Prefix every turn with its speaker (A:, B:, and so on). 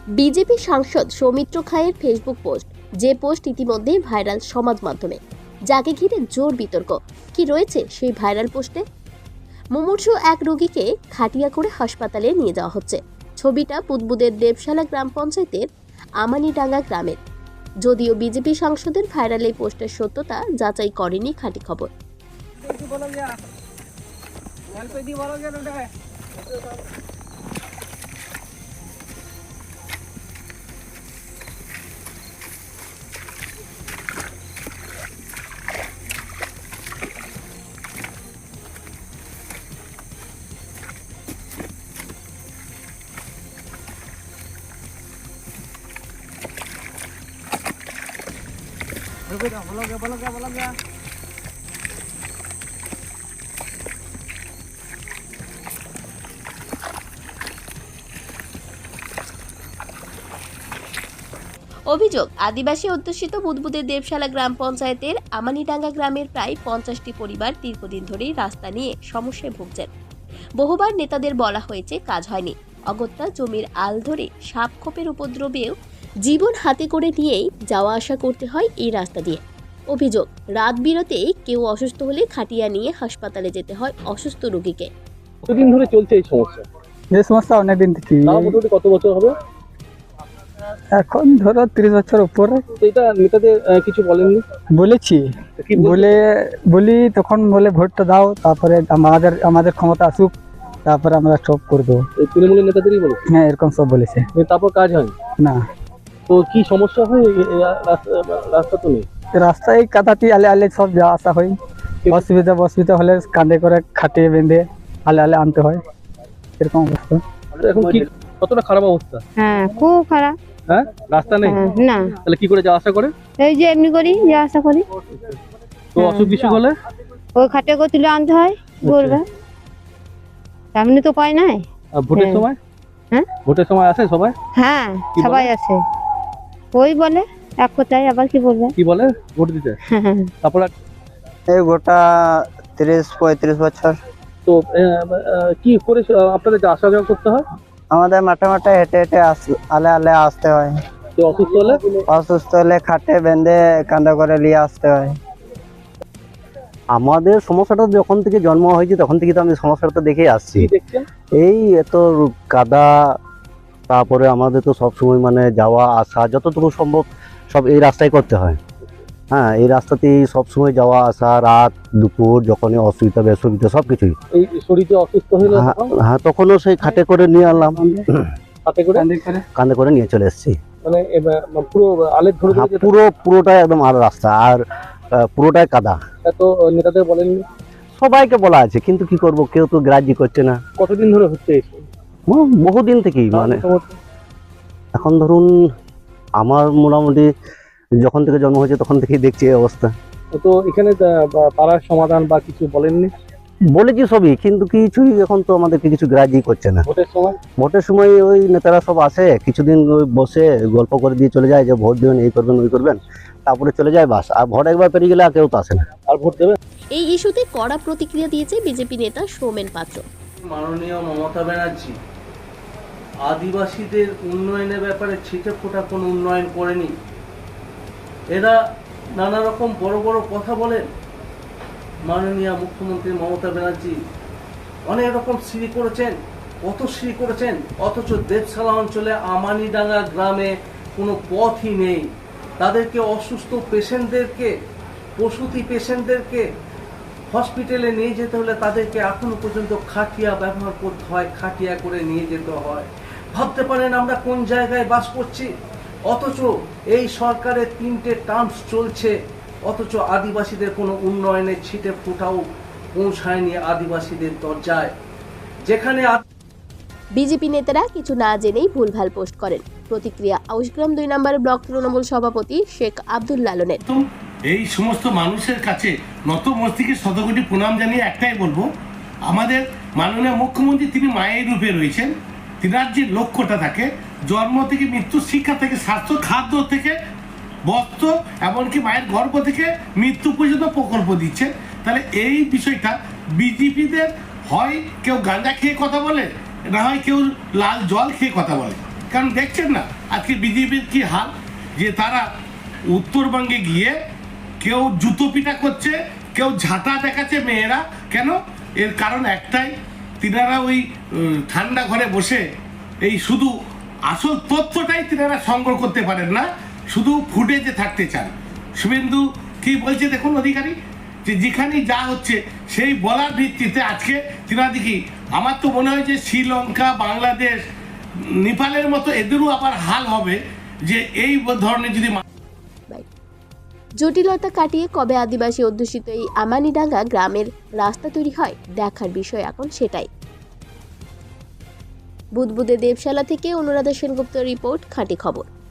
A: BJP সাংসদ সৌমিত্র খায়ের Facebook post, যে পোস্ট ইতিমধ্যেই ভাইরাল সমাজ মাধ্যমে, যাকে ঘিরে জোর বিতর্ক। কি রয়েছে সেই ভাইরাল পোস্টে? মুমূর্ষু এক রোগীকে খাটিয়া করে হাসপাতালে নিয়ে যাওয়া হচ্ছে। ছবিটা বুদবুদের দেবশালা গ্রাম পঞ্চায়েতের আমানিডাঙ্গা গ্রামের। যদিও বিজেপি সাংসদের ভাইরাল এই পোস্টের সত্যতা যাচাই করেনি খাঁটি খবর। অভিযোগ, আদিবাসী অধ্যুষিত বুদবুদের দেবশালা গ্রাম পঞ্চায়েতের আমানিডাঙ্গা গ্রামের প্রায় 50টি পরিবার দীর্ঘদিন ধরেই রাস্তা নিয়ে সমস্যায় ভুগছেন। বহুবার নেতাদের বলা হয়েছে, কাজ হয়নি। অগত্যা জমির আল ধরে সাপ খোপের উপদ্রবেও জীবন হাতে করে নিয়েই যাওয়া আসা করতে হয় এই রাস্তা দিয়ে। অভিযোগ, রাত বিরতেই কেউ অসুস্থ হলে খাটিয়া নিয়ে হাসপাতালে যেতে হয় অসুস্থ রোগীকে।
B: কতদিন ধরে চলছে এই সমস্যা?
C: এই সমস্যা অনেকদিন থেকে,
B: তাও মোটামুটি কত বছর হবে?
C: এখন ধরো 30 বছর উপরে।
B: তো এটা নেতাদের কিছু বলেননি?
C: বলেছি,
B: কি
C: বলি তখন বলে ভোটটা দাও, তারপরে আমাদের ক্ষমতা আসুক, তারপরে আমরা সব করে দেবো।
B: এই তৃণমূলের নেতাদেরই বলে?
C: হ্যাঁ, এরকম সব বলেছে।
B: তারপর কাজ হয়
C: না।
B: তো কি সমস্যা হয়? রাস্তা তো নেই।
C: রাস্তায় কাদাটি আলে আলে সব যাওয়া আসা হয়। অসুবিধা হলে কাঁধে করে খাটিয়ে বেঁধে আলে আলে আনতে হয়, এরকম অবস্থা।
B: এখন কি কতটা খারাপ অবস্থা?
D: হ্যাঁ, খুব খারাপ।
B: হ্যাঁ, রাস্তা নেই।
D: না,
B: তাহলে কি করে যাওয়া আসা করে?
D: এই যে এমনি করি যা আশা করি।
B: তো অসুখ বিসুখ হলে
D: ওই খাটে করে তুলে আনতে হয়, বলবে এমনি তো পাই নাই।
B: আর ভোটের
D: হ্যাঁ।
B: সময়?
D: হ্যাঁ,
B: ভোটের সময় আসে সবাই?
D: হ্যাঁ,
B: কি বলে?
D: সবাই আছে। ওই বলে এক কথায়, আবার কি বলবে।
B: কি বলে ভোট দিতে? তারপর
C: এই গোটা 30-35 বছর
B: তো কি করে আপনাদের আসা যাওয়া করতে হয়?
C: আমাদের মাঠে মাঠে হেঁটে হেঁটে আলে আলে আসতে হয়।
B: তো অসুস্থ হলে?
C: অসুস্থ হলে খাটে বেঁধে কাঁধে করে নিয়ে আসতে হয়।
E: আমাদের সমস্যাটা যখন থেকে জন্ম হয়েছে তখন থেকে তো আমি সমস্যাটা দেখেই আসছি।
B: কি দেখছেন?
E: এই এত কাদা, তারপরে আমাদের তো সবসময় মানে যাওয়া আসা যতটুকু সম্ভব সব এই রাস্তায় করতে হয়। হ্যাঁ, এই রাস্তাতেই সবসময় যাওয়া আসা, রাত দুপুর যখনই অসুবিধা বেসুবিধা সব কিছুই।
B: এই শরীরে অসুস্থ হলে
E: হ্যাঁ, তখনও সেই খাটে করে নিয়ে আনলাম,
B: হাতে করে
E: কাঁধে করে নিয়ে চলে এসেছি।
B: মানে পুরো আলের ধরে
E: হ্যাঁ, পুরোটাই একদম আর রাস্তা, আর পুরোটাই কাদা।
B: এত নেতাদের বলেননি?
E: সবাইকে বলা আছে, কিন্তু কি করব, কেউ তো গ্রাহ্য করছে না।
B: কতদিন ধরে হচ্ছে এই
E: বহুদিন থেকেই, মানে এখন ধরুন আমার মোটামুটি যখন থেকে জন্ম হয়েছে তখন থেকেই দেখছি এই অবস্থা।
B: তো এখানে পাড়ার সমাধান বা কিছু বলেননি?
E: বলেছি সবই, কিন্তু কিছুই এখন তো আমাদেরকে কিছু গ্রাহ্যই করছে না।
B: ভোটের সময়
E: ওই নেতারা সব আসে, কিছুদিন ওই বসে গল্প করে দিয়ে চলে যায় যে ভোট দেবেন, এই করবেন ওই করবেন, তারপরে চলে যায়, বাস। আর ভোট একবার পেরিয়ে গেলে আর কেউ তো আসে না।
B: আর ভোট দেবে?
A: এই ইস্যুতে কড়া প্রতিক্রিয়া দিয়েছে বিজেপি নেতা সৌমেন পাত্র।
F: মাননীয় মমতা ব্যানার্জি আদিবাসীদের উন্নয়নের ব্যাপারে ছিটে ফোটা কোনো উন্নয়ন করেনি। এরা নানা রকম বড় বড় কথা বলেন। মাননীয় মুখ্যমন্ত্রী মমতা ব্যানার্জি অনেক রকম সিঁড়ি করেছেন, কত সিঁড়ি করেছেন, অথচ দেবশালা অঞ্চলে আমানিডাঙ্গা গ্রামে কোনো পথই নেই। তাদেরকে অসুস্থ পেশেন্টদেরকে, প্রসূতি পেশেন্টদেরকে হসপিটালে নিয়ে যেতে হলে তাদেরকে এখনো পর্যন্ত খাটিয়া ব্যবহার করতে হয়, খাটিয়া করে নিয়ে যেতে হয়। ভাবতে পারেন আমরা কোন জায়গায় বাস করছি? অথচ এই সরকারের 3টে টার্মস চলছে, অথচ আদিবাসীদের কোনো উন্নয়নের ছিটে ফোটাও পৌঁছায়নি আদিবাসীদের দরজায়। যেখানে
A: বিজেপি নেতারা কিছু না জেনেই ভুলভাল পোস্ট করেন। প্রতিক্রিয়া আউশগ্রাম 2 নম্বর ব্লক তৃণমূল সভাপতি শেখ আব্দুল লালনের।
G: এই সমস্ত মানুষের কাছে নত মস্তিষ্কে শতকোটি প্রণাম জানিয়ে একটাই বলবো, আমাদের মাননীয় মুখ্যমন্ত্রী তিনি মায়ের রূপে রয়েছেন। তিনার যে লক্ষ্যটা থাকে, জন্ম থেকে মৃত্যু, শিক্ষা থেকে স্বাস্থ্য, খাদ্য থেকে বস্ত্র, এমনকি মায়ের গর্ভ থেকে মৃত্যু পর্যন্ত প্রকল্প দিচ্ছে। তাহলে এই বিষয়টা বিজেপিদের হয় কেউ গাঁজা খেয়ে কথা বলে, না হয় কেউ লাল জল খেয়ে কথা বলে। কারণ দেখছেন না আজকে বিজেপির কি হাল, যে তারা উত্তরবঙ্গে গিয়ে কেউ জুতো পিটা করছে, কেউ ঝাঁটা দেখাচ্ছে মেয়েরা। কেন? এর কারণ একটাই, তিনারা ওই ঠান্ডা ঘরে বসে এই শুধু আসল তথ্যটাই তিনারা সংগ্রহ করতে পারেন না, শুধু ফুটেজে থাকতে চান। শুভেন্দু কি বলছে দেখুন অধিকারী, যে যেখানে যা হচ্ছে সেই বলার ভিত্তিতে আজকে তিনারা দেখি, আমার তো মনে হয় যে শ্রীলঙ্কা, বাংলাদেশ, নেপালের মতো এদেরও আবার হাল হবে, যে এই ধরনের যদি
A: জটিলতা কাটিয়ে কবে আদিবাসী অধ্যুষিত এই আমানিডাঙ্গা গ্রামের রাস্তা তৈরি হয় দেখার বিষয় এখন সেটাই। বুদবুদে দেবশালা থেকে অনুরাধা সেনগুপ্ত রিপোর্ট, খাঁটি খবর।